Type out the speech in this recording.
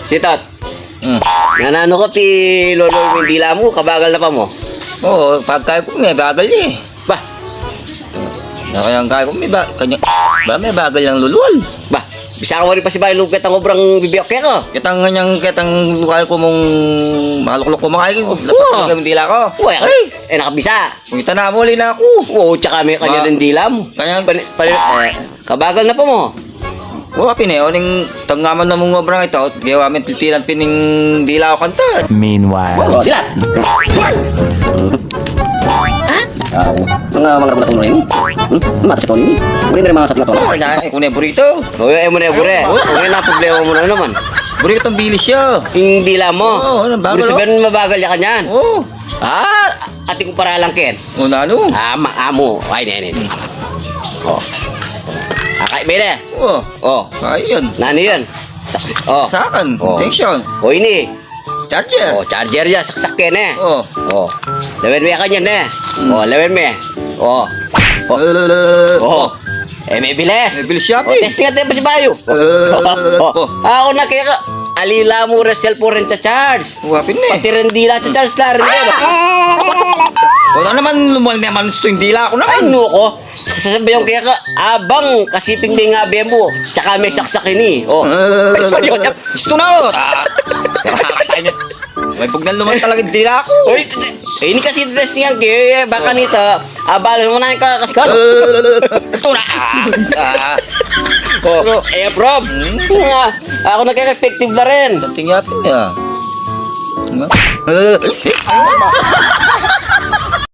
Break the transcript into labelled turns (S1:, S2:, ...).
S1: Sitot. Nanano ko ti Lolo Mindila mo, kabagal na pa mo.
S2: Oo, pagkaya ko may bagal eh.
S1: Bah,
S2: Kaya ang kaya ko may may bagal yung lulul.
S1: bah. Bisa ka wari pa si Bayo Lugat ang obrang bibiyok kaya ko.
S2: Kitang kaya ko mong maluklok ko mga ko.
S1: Oo.
S2: Dapat dila ko.
S1: Uy, nakabisa.
S2: Kita na mo, na ako.
S1: Oo, tsaka may kanya ng dila mo.
S2: Kanya,
S1: Kabagal na pa mo.
S2: wala pineo, ning tanggaman na mong obrang ito, gawa amin titilan pining dila ko kanta.
S1: Wala, dila. Mga ragulat mo rin. Matas ko ni. Muli na rin mga sakit na to.
S2: Oo, kung na burrito.
S1: Oo, mo na bure. Okay na problema mo na naman.
S2: Burito ang bilis siya.
S1: Yung dila mo.
S2: Oo, bagal.
S1: Gusto sabihin mabagal ya kanyan.
S2: Oo.
S1: Ating ko para lang ken.
S2: O na ano?
S1: Amo. Ay, ne. Oh. Akay bene.
S2: Oo.
S1: Oh.
S2: Ayun.
S1: Nani yun? Oh.
S2: Sakan.
S1: Oh.
S2: Tension.
S1: Oh, ini.
S2: Charger.
S1: Oh, charger ya, saksak ken eh.
S2: Oo.
S1: Oh. Lawen mo kanyan eh. Oh, lawen mo. Oh. Oh. May bilis.
S2: May bilis siya,
S1: Oh,
S2: eh.
S1: testing natin pa si Bayo. Ako na kaya ka. Alila mo resel po rin sa charge.
S2: Wapin na eh.
S1: Pati rin dila sa charge na rin.
S2: O na naman lumal naman gusto yung dila ko
S1: Ay,
S2: naman.
S1: no ko. Sasabihan kaya ka, abang kasiping may ngabe mo. Tsaka may saksakin eh. Oh. Ay, sorry.
S2: Gusto na o. May bugnan lumal talaga yung dila ko.
S1: Uy, ini kasi testing yan kaya. Baka nito, abalo mo na yung kakaskano.
S2: Gusto na.
S1: Oh, prob. Ako nagka-effective na rin.
S2: Tingapin niya.